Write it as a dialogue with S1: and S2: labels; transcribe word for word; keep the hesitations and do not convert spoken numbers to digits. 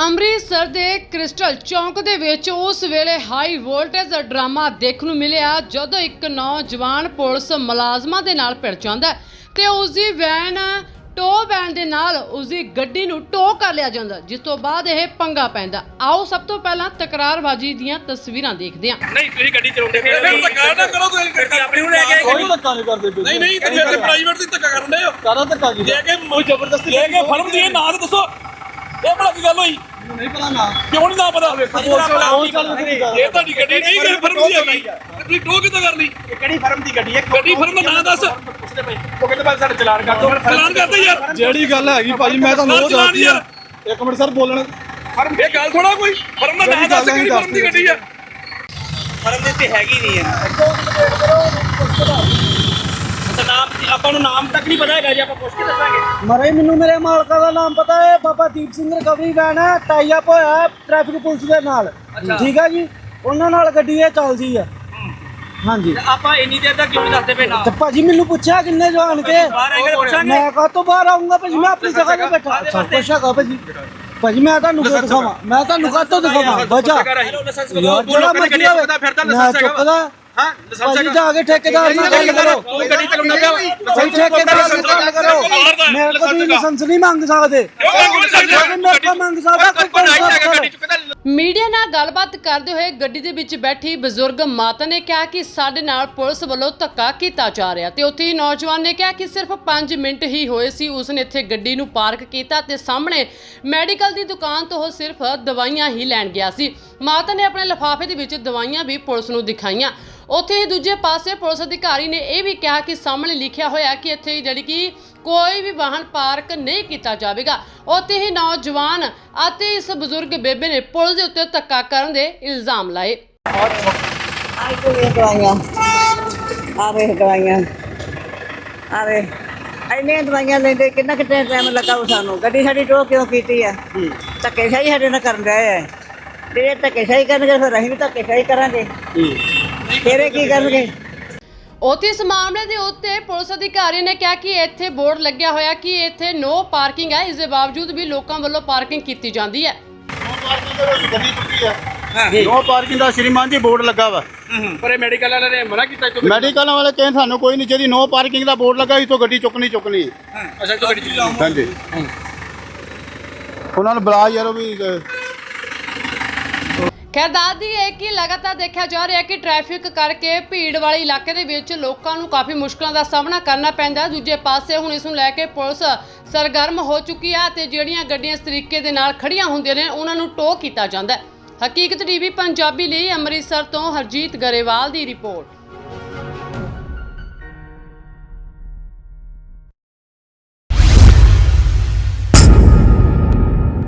S1: ਅੰਮ੍ਰਿਤਸਰ ਦੇ ਕ੍ਰਿਸਟਲ ਚੌਂਕ ਦੇ ਵਿੱਚ ਉਸ ਵੇਲੇ ਹਾਈ ਵੋਲਟੇਜ ਡਰਾਮਾ ਦੇਖਣ ਨੂੰ ਮਿਲਿਆ ਜਦੋਂ ਇੱਕ ਨੌਜਵਾਨ ਪੁਲਿਸ ਮੁਲਾਜ਼ਮਾਂ ਦੇ ਨਾਲ ਭਿੜ ਜਾਂਦਾ ਹੈ ਤੇ ਉਸ ਦੀ ਵੈਨ ਟੋ ਵੈਨ ਦੇ ਨਾਲ ਉਸ ਦੀ ਗੱਡੀ ਨੂੰ ਟੋ ਕਰ ਲਿਆ ਜਾਂਦਾ, ਜਿਸ ਤੋਂ ਬਾਅਦ ਇਹ ਪੰਗਾ ਪੈਂਦਾ। ਆਓ ਸਭ ਤੋਂ ਪਹਿਲਾਂ ਤਕਰਾਰਬਾਜ਼ੀ ਦੀਆਂ ਤਸਵੀਰਾਂ ਦੇਖਦੇ ਹਾਂ।
S2: ਨਹੀਂ ਤੁਸੀਂ ਗੱਡੀ ਚਲਾਉਂਦੇ ਫਿਰ
S3: ਫਿਰ ਧੱਕਾ ਨਾ ਕਰੋ ਤੁਸੀਂ
S2: ਗੱਡੀ ਆਪਣੀ ਨੂੰ ਲੈ ਕੇ
S4: ਕੋਈ ਧੱਕਾ ਨਹੀਂ ਕਰਦੇ ਪਏ।
S3: ਨਹੀਂ ਨਹੀਂ ਤੁਸੀਂ ਇੱਥੇ ਪ੍ਰਾਈਵੇਟ ਦੀ ਧੱਕਾ ਕਰਨ ਦੇ ਹੋ
S4: ਕਾਹਦਾ ਧੱਕਾ ਕੀ
S3: ਲੈ ਕੇ
S4: ਕੋਈ ਜ਼ਬਰਦਸਤੀ
S3: ਲੈ ਕੇ ਫਰਮ ਦੀ ਇਹ ਨਾਂ ਤਾਂ ਦੱਸੋ, ਇਹ ਭਲਾ ਕੀ ਗੱਲ ਹੋਈ?
S4: ਮੈਨੂੰ ਨਹੀਂ ਪਤਾ ਨਾ
S3: ਕਿਉਂ ਨਹੀਂ ਨਾ ਪਤਾ?
S4: ਉਹ ਚੱਲ ਨਹੀਂ
S3: ਇਹ ਤੁਹਾਡੀ ਗੱਡੀ ਨਹੀਂ ਕਿ ਫਰਮ ਦੀ ਹੈਗੀ, ਤੁਸੀਂ ਟੋ ਕਿੱਦਾਂ ਕਰ ਲਈ?
S2: ਕਿਹੜੀ ਫਰਮ ਦੀ ਗੱਡੀ ਹੈ?
S3: ਗੱਡੀ ਫਰਮ ਦਾ ਨਾਂ ਦੱਸ।
S2: ਉਹ ਕਹਿੰਦੇ ਬਾਅਦ ਸਾਡਾ ਚਲਾਨ ਕਰ ਦੋ।
S3: ਚਲਾਨ ਕਰਦੇ ਯਾਰ,
S4: ਜਿਹੜੀ ਗੱਲ ਹੈਗੀ ਭਾਜੀ ਮੈਂ ਤੁਹਾਨੂੰ ਉਹ ਦੱਸਦੀ ਆ। ਇੱਕ ਮਿੰਟ ਸਰ ਬੋਲਣ
S3: ਫਰਮ ਇਹ ਗੱਲ ਥੋੜਾ ਕੋਈ ਫਰਮ ਦਾ ਨਾਂ ਦੱਸ, ਕਿਹੜੀ ਫਰਮ ਦੀ ਗੱਡੀ ਹੈ?
S2: ਫਰਮ ਦੇ ਉੱਤੇ ਹੈਗੀ ਨਹੀਂ ਹੈ। ਅੱਛਾ ਨਾਮ ਆਪਾਂ ਨੂੰ ਨਾਮ ਤੱਕ ਨਹੀਂ ਪਤਾ ਹੈਗਾ ਜੀ, ਆਪਾਂ ਪੁੱਛ ਕੇ ਦੱਸਾਂਗੇ।
S5: ਮਰੇ ਮੈਨੂੰ ਮੇਰੇ ਮਾਲਕਾ ਦਾ ਨਾਮ ਪਤਾ ਹੈ, ਬਾਬਾ ਦੀਪ ਸਿੰਘ ਰਿਕਵਰੀ ਵੈਨ ਹੈ, ਟਾਈ ਅਪ ਹੋਇਆ ਹੈ ਟ੍ਰੈਫਿਕ ਪੁਲਿਸ ਦੇ ਨਾਲ। ਠੀਕ ਹੈ ਜੀ, ਉਹਨਾਂ ਨਾਲ ਗੱਡੀ ਇਹ ਚੱਲਦੀ ਹੈ। ਹਾਂਜੀ
S2: ਆਪਾਂ ਇੰਨੀ ਦੇਰ ਤੱਕ ਕਿਉਂ ਨਹੀਂ ਦੱਸਦੇ ਪਏ ਨਾ?
S5: ਤੇ ਭਾਜੀ ਮੈਨੂੰ ਪੁੱਛਿਆ ਕਿੰਨੇ ਜਾਣ ਕੇ,
S2: ਬਾਹਰ ਆਏਗਾ ਪੁੱਛਾਂਗੇ।
S5: ਮੈਂ ਕਹਾਂ ਤੋਂ ਬਾਹਰ ਆਉਂਗਾ ਭਾਜੀ, ਮੈਂ ਆਪਣੀ ਜਗ੍ਹਾ ਤੇ ਬੈਠਾ। ਸਭ ਕੁਛ ਹੈਗਾ ਭਾਜੀ। ਭਾਜੀ ਮੈਂ ਤੁਹਾਨੂੰ ਕਿਉਂ ਦਿਖਾਵਾਂ, ਮੈਂ ਤੁਹਾਨੂੰ ਕਾਹਤੋਂ ਦਿਖਾਵਾਂ? ਵਜਾ ਯਾਰ ਜਿਹੜਾ ਮਰਜ਼ੀ ਹੋਵੇ ਮੈਂ ਚੁੱਕਦਾ।
S2: ਹਾਂ
S5: ਭਾਜੀ ਜਾ ਕੇ ਠੇਕੇਦਾਰ ਨਾਲ ਗੱਲ ਕਰੋ,
S2: ਤੂੰ ਗੱਡੀ ਚਲਾਉਣਾ ਪਿਆ ਓਏ।
S5: ਭਾਈ ਠੇਕੇਦਾਰ ਨਾਲ ਗੱਲ ਕਰੋ। ਮੇਰੇ ਕੋਲ ਤੁਸੀਂ ਲਾਇਸੈਂਸ ਨਹੀਂ ਮੰਗ ਸਕਦੇ, ਲੇਕਿਨ ਮੇਰੇ ਕੋਲ ਮੰਗ ਸਕਦਾ ਕੋਈ ਪੁਲਿਸ।
S1: ਮੀਡੀਆ ਨਾਲ ਗੱਲਬਾਤ ਕਰਦੇ ਹੋਏ ਗੱਡੀ ਦੇ ਵਿੱਚ ਬੈਠੀ ਬਜ਼ੁਰਗ ਮਾਤਾ ਨੇ ਕਿਹਾ ਕਿ ਸਾਡੇ ਨਾਲ ਪੁਲਿਸ ਵੱਲੋਂ ਧੱਕਾ ਕੀਤਾ ਜਾ ਰਿਹਾ ਤੇ ਉੱਥੇ ਹੀ ਨੌਜਵਾਨ ਨੇ ਕਿਹਾ ਕਿ ਸਿਰਫ ਪੰਜ ਮਿੰਟ ਹੀ ਹੋਏ ਸੀ ਉਸਨੇ ਇੱਥੇ ਗੱਡੀ ਨੂੰ ਪਾਰਕ ਕੀਤਾ ਤੇ ਸਾਹਮਣੇ ਮੈਡੀਕਲ ਦੀ ਦੁਕਾਨ ਤੋਂ ਉਹ ਸਿਰਫ ਦਵਾਈਆਂ ਹੀ ਲੈਣ ਗਿਆ ਸੀ। ਮਾਤਾ ਨੇ ਆਪਣੇ ਲਿਫਾਫੇ ਦੇ ਵਿੱਚ ਦਵਾਈਆਂ ਵੀ ਪੁਲਿਸ ਨੂੰ ਦਿਖਾਈਆਂ। ਉੱਥੇ ਹੀ ਦੂਜੇ ਪਾਸੇ ਪੁਲਿਸ ਅਧਿਕਾਰੀ ਨੇ ਇਹ ਵੀ ਕਿਹਾ ਕਿ ਸਾਹਮਣੇ ਲਿਖਿਆ ਹੋਇਆ ਕਿ ਇੱਥੇ ਜਿਹੜੀ ਕਿ ਕੋਈ ਵੀ ਵਾਹਨ ਪਾਰਕ ਨਹੀਂ ਕੀਤਾ ਜਾਵੇਗਾ। ਉੱਥੇ ਹੀ ਨੌਜਵਾਨ ਅਤੇ ਇਸ ਬਜ਼ੁਰਗ ਬੇਬੇ ਨੇ ਪੁਲਿਸ ਦੇ ਉੱਤੇ ਧੱਕਾ ਕਰਨ ਦੇ ਇਲਜ਼ਾਮ ਲਾਏ।
S6: ਆਹ ਕੋਈ ਦਵਾਈਆਂ ਆ ਵੇ ਦਵਾਈਆਂ ਆ ਵੇ ਇੰਨੀਆਂ ਦਵਾਈਆਂ ਲੈਂਦੇ ਕਿੰਨਾ ਕਿੰਨਾ ਟਾਈਮ ਲੱਗਾ ਸਾਨੂੰ। ਗੱਡੀ ਸਾਡੀ ਟੋ ਕਿਉਂ ਕੀਤੀ ਹੈ? ਧੱਕੇਸ਼ਾਹੀ ਸਾਡੇ ਨਾਲ ਕਰਨ ਰਹੇ ਹੈ। ਜਿਹੜੇ ਧੱਕੇਸ਼ਾਹੀ ਕਰਨਗੇ ਫਿਰ ਅਸੀਂ ਵੀ ਧੱਕੇਸ਼ਾਹੀ ਕਰਾਂਗੇ, ਫਿਰ ਇਹ ਕੀ ਕਰਨਗੇ?
S1: ਉੱਥੇ ਇਸ ਮਾਮਲੇ ਦੇ ਉੱਤੇ ਪੁਲਿਸ ਅਧਿਕਾਰੀ ਨੇ ਕਿਹਾ ਕਿ ਇੱਥੇ ਬੋਰਡ ਲੱਗਿਆ ਹੋਇਆ ਕਿ ਇੱਥੇ ਨੋ ਪਾਰਕਿੰਗ ਹੈ, ਇਸ ਦੇ ਬਾਵਜੂਦ ਵੀ ਲੋਕਾਂ ਵੱਲੋਂ ਪਾਰਕਿੰਗ ਕੀਤੀ ਜਾਂਦੀ ਹੈ।
S4: ਗੱਡੀ ਚੁੱਕੀ ਆ ਨੋ ਪਾਰਕਿੰਗ ਦਾ ਸ਼੍ਰੀਮਾਨ ਜੀ ਬੋਰਡ ਲੱਗਾ ਵਾ,
S2: ਪਰ ਇਹ ਮੈਡੀਕਲ ਵਾਲਿਆਂ ਨੇ ਮਨਾ ਕੀਤਾ।
S4: ਮੈਡੀਕਲ ਵਾਲੇ ਕਹਿੰਦੇ ਸਾਨੂੰ ਕੋਈ ਨਹੀਂ, ਜਿਹੜੀ ਨੋ ਪਾਰਕਿੰਗ ਦਾ ਬੋਰਡ ਲੱਗਾ ਇਸ ਤੋਂ ਗੱਡੀ ਚੁੱਕਣੀ ਚੁੱਕਣੀ।
S2: ਅੱਛਾ ਤੂੰ ਗੱਡੀ ਚਲਾਉਂ।
S4: ਹਾਂਜੀ ਉਹਨਾਂ ਨੂੰ ਬੁਲਾ ਯਾਰ, ਉਹ ਵੀ
S1: ਖੈਰ ਦੱਸਦੀ ਹੈ ਕਿ ਲਗਾਤਾਰ ਦੇਖਿਆ ਜਾ ਰਿਹਾ ਹੈ ਕਿ ਟ੍ਰੈਫਿਕ ਕਰਕੇ ਭੀੜ ਵਾਲੇ ਇਲਾਕੇ ਦੇ ਵਿੱਚ ਲੋਕਾਂ ਨੂੰ ਕਾਫੀ ਮੁਸ਼ਕਲਾਂ ਦਾ ਸਾਹਮਣਾ ਕਰਨਾ ਪੈਂਦਾ। ਦੂਜੇ ਪਾਸੇ ਹੁਣ ਇਸ ਨੂੰ ਲੈ ਕੇ ਪੁਲਿਸ ਸਰਗਰਮ ਹੋ ਚੁੱਕੀ ਹੈ ਤੇ ਜਿਹੜੀਆਂ ਗੱਡੀਆਂ ਇਸ ਤਰੀਕੇ ਦੇ ਨਾਲ ਖੜੀਆਂ ਹੁੰਦੀਆਂ ਨੇ ਉਹਨਾਂ ਨੂੰ ਟੋ ਕੀਤਾ ਜਾਂਦਾ ਹੈ। ਹਕੀਕਤ ਟੀਵੀ ਪੰਜਾਬੀ ਲਈ ਅੰਮ੍ਰਿਤਸਰ ਤੋਂ ਹਰਜੀਤ ਗਰੇਵਾਲ ਦੀ ਰਿਪੋਰਟ।